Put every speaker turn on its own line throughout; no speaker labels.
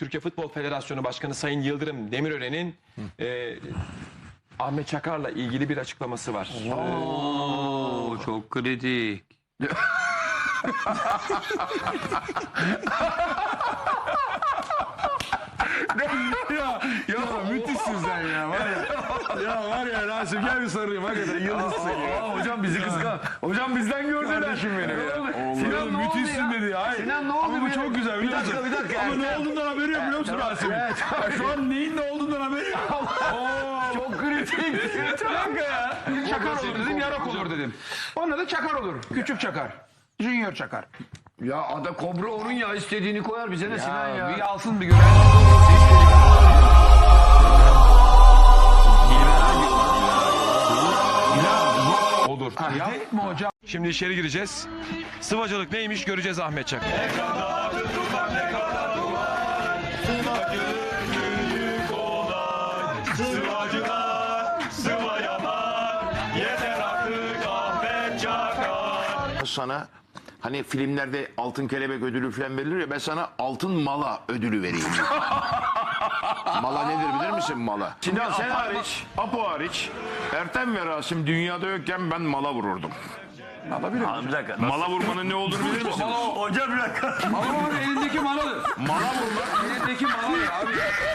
Türkiye Futbol Federasyonu Başkanı Sayın Yıldırım Demirören'in Ahmet Çakar'la ilgili bir açıklaması var.
Oo, çok kritik.
Ya müthişsin sen ya. Var ya Rasim gel bir sarayım. Hakikaten yıldızsın ya.
Hocam bizi kıskan. Hocam bizden gördüler.
Kardeşim benim ya.
Sinan ne oldu
müthişsin
ya?
dedi ya. Hayır.
Sinan ne oldu?
Ama bu çok güzel biliyor musun?
Bir dakika.
Ama ne olduğundan haberi yok biliyor musun Rasim? Şu an neyin ne olduğundan haberi yok.
Çok kritik.
Kanka ya.
Çakar olur dedim, yarak olur dedim. Ona da Çakar olur. Küçük Çakar. Junior Çakar.
Ya ada kobra onun ya, istediğini koyar bize ne Sinan ya.
Bir alsın bir görev.
Olur.
Yapma hocam.
Şimdi içeri gireceğiz. Sıvacılık neymiş göreceğiz Ahmet Çakar.
Sana hani filmlerde altın kelebek ödülü falan verilir ya, ben sana altın mala ödülü vereyim. Mala nedir bilir misin mala? Sinan sen hariç, Apo hariç, Ertem ve Rasim dünyada yokken ben mala vururdum.
Bir dakika.
Mala vurmanın ne olduğunu bilir misin?
Hocam bir dakika.
Malın elindeki maladır.
Mala vurmak.
Elindeki maladır abi.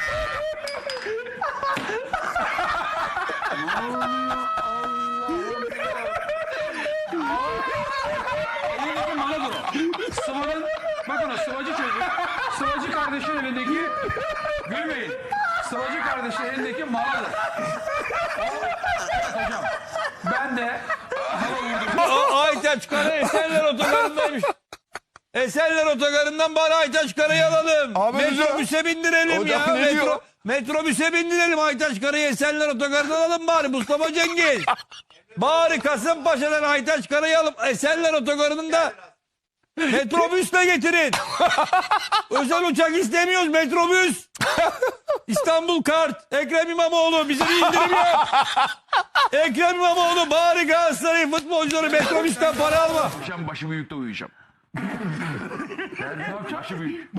Elindeki maladır o. Sıvanın, bakın o sıvacı çocuk. Sıvacı kardeşin elindeki, gülmeyin. Sıvacı kardeşin elindeki maladır. Evet hocam. Ben de
Aytaç Kara Esenler Otogarı'ndaymış. Esenler Otogarı'ndan bari Aytaç Kara'yı alalım. Metrobüse bindirelim ya. Metrobüse bindirelim Aytaç Kara'yı Esenler Otogarı'ndan alalım bari Mustafa Cengiz. Bari Kasımpaşa'dan Aytaç Kara'yı alıp Esenler Otogarı'nın da metrobüsle getirin. Özel uçak istemiyoruz, metrobüs. İstanbul Kart. Ekrem İmamoğlu bize bir indirim yap. Ekrem İmamoğlu bari Galatasaray futbolcuları metrobüsten para alma.
Akşam başı büyükte uyuyacağım. Başı büyük.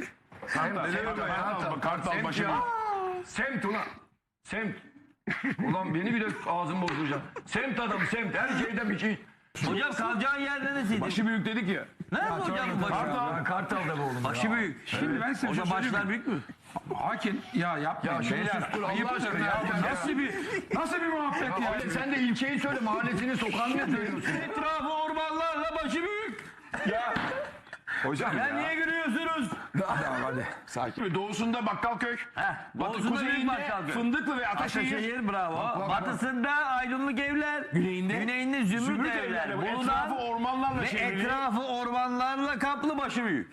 Kartal başı büyük. Semt ulan. Semt. Ulan beni bile ağzım bozulacak. Semt adam semt. Her şeyden bir şey.
Hocam kalacağın yer neresiydi?
Başı büyük dedik ya.
Nerede hocam başı?
Kartal'da bu oğlum.
Başı büyük.
şimdi ben size bir şey
Hocam
söyleyeyim
başlar
mi?
büyük mü?
Hakim ya yapmayın
Ya
beyler.
sus dur, Allah
Ayıptır
aşkına
ya.
ya.
Nasıl bir muhabbet ya?
Sen de ilçeyi söyle, mahallesini, sokağını ne söylüyorsun?
Etrafı ormanlarla başı büyük.
Hocam
Ya niye gülüyorsunuz?
hadi sakin.
Doğusunda Bakkalköy.
Doğusunda büyük Bakkalköy.
Fındıklı ve Ataşehir.
Ataşehir bravo. Batısında Aydınlık Evler. Güneyinde Zümrüt Evler.
Bu
Bulunan
etrafı ormanlarla
ve
çevrili.
etrafı ormanlarla kaplı başı büyük.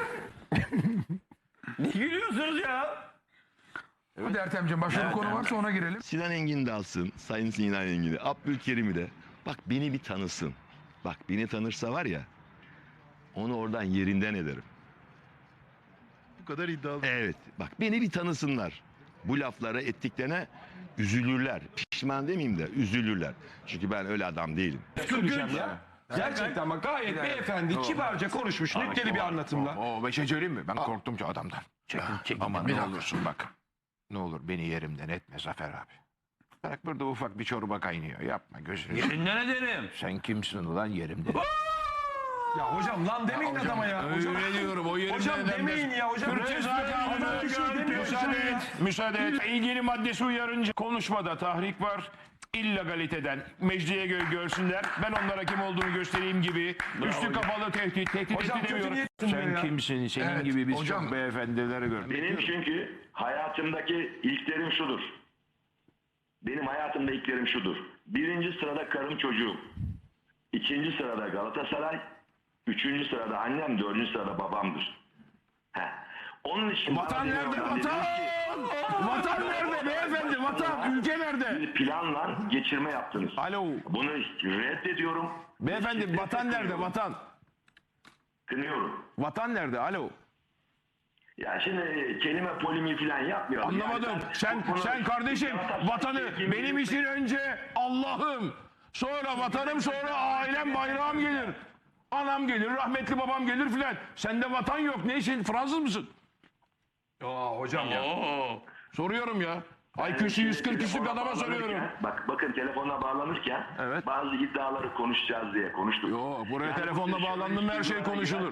Ne gülüyorsunuz ya?
Hadi Ertemciğim başka bir konu varsa ona girelim.
Sinan Engin de alsın. Sayın Sinan Engin'i. Abdülkerim'i de. Bak beni bir tanısın. Bak beni tanırsa var ya. Onu oradan yerinden ederim.
Bu kadar iddialı.
Evet. Bak beni bir tanısınlar. Bu laflara ettiklerine üzülürler. Pişman demeyeyim de üzülürler. Çünkü ben öyle adam değilim.
Gerçekten bak gayet beyefendi, kibarca konuşmuş, nükteli bir anlatımla.
O bir şey söyleyeyim mi? Ben korktum ki adamdan.
Çekin.
Ama ne olursun bak. Ne olur beni yerimden etme Zafer abi. Bak burada ufak bir çorba kaynıyor. Yapma gözünü.
Yerinden ederim.
Sen kimsin ulan yerimden?
Ya hocam lan demeyin adama ya. Hocam,
Öyle diyorum o yerimden
hocam
edemez.
demeyin ya hocam.
Müsaade et. Müsaade et. İlgili maddesi uyarınca konuşmada tahrik var. İllegaliteden mecliye görsünler. Ben onlara kim olduğunu göstereyim gibi. Üstü kapalı tehdit
Hocam,
edemiyorum.
kötü
Sen
ya.
kimsin? Senin gibi biz çok beyefendileri gördük.
Benim çünkü hayatımdaki ilklerim şudur. Benim hayatımda ilklerim şudur. Birinci sırada karım çocuğum. İkinci sırada Galatasaray. Üçüncü sırada annem. Dördüncü sırada babamdır. Heh. Onun için...
Vatan nerede? Vatan! Vatan nerede beyefendi? Vatan! Ülke nerede?
Bir planla geçirme yaptınız.
Alo.
Bunu reddediyorum.
Beyefendi vatan nerede? Vatan.
Kınıyorum.
Vatan nerede? Alo.
Ya şimdi kelime polimi falan yapmıyorum.
Anlamadım.
Yani
Sen kardeşim vatanı benim için önce Allah'ım, sonra vatanım, sonra ailem, bayrağım gelir. Anam gelir, rahmetli babam gelir filan. Sende vatan yok. Ne işin? Fransız mısın?
Hocam ya.
Soruyorum ya. IQ'su 140 küsürlük adama soruyorum.
Bakın telefonla bağlanırken bazı iddiaları konuşacağız diye konuştuk.
Yo, buraya telefonla bağlandım her şey konuşulur.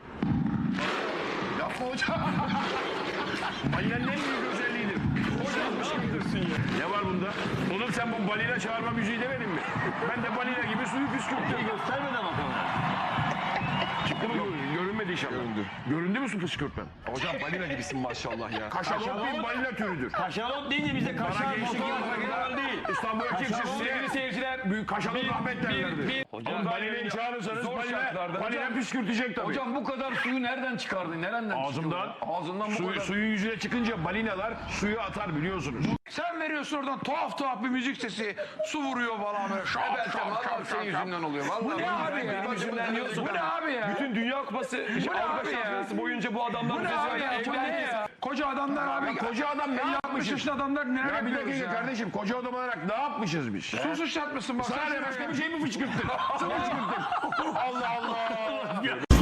Yapma hocam. Balina'n en büyük özelliğidir. Ne var bunda? Oğlum sen bu balina çağırma müziği demedin mi? Ben de balina gibi suyu püskürttüm.
Göstermeden bakalım.
Çıktı mı? Görünmedi inşallah. Göründü. Göründü mü su püskürtmen?
Hocam balina gibisin maşallah ya.
Kaşalot bir balina türüdür.
Kaşalot deyince bize kaşar
gençlik
motor değil.
İstanbul'a kimse
Sevgili seyirciler.
büyük kaşalot rahmet derlerdi.
Hocam
Balinayı çağırırsanız
Zor
balina
şartlarda.
püskürtecek tabii.
Hocam bu kadar suyu nereden çıkardın? Nereden
Ağzımdan,
Ağzından bu kadar.
suyun yüzüne çıkınca balinalar suyu atar biliyorsunuz.
Sen veriyorsun oradan tuhaf bir müzik sesi. Su vuruyor falan böyle. Şap şap
Senin yüzünden oluyor. Vallahi
Bu ne abi ya?
yüzünden diyorsun.
Bu ne abi ya?
Bütün Dünya Kupası Avrupa Şampiyonası boyunca bu adamlar
Bu ne abi ya? Bu ne ya? Koca adamlar abi.
Koca adam ne
60
yapmışız?
yaşında adamlar neler
Ya bir
yapıyoruz
dakika
ya?
kardeşim koca adam olarak ne yapmışız biz?
Su sıçratmışsın bak.
Sana ne başka bir şey mi fışkırttın? Allah Allah.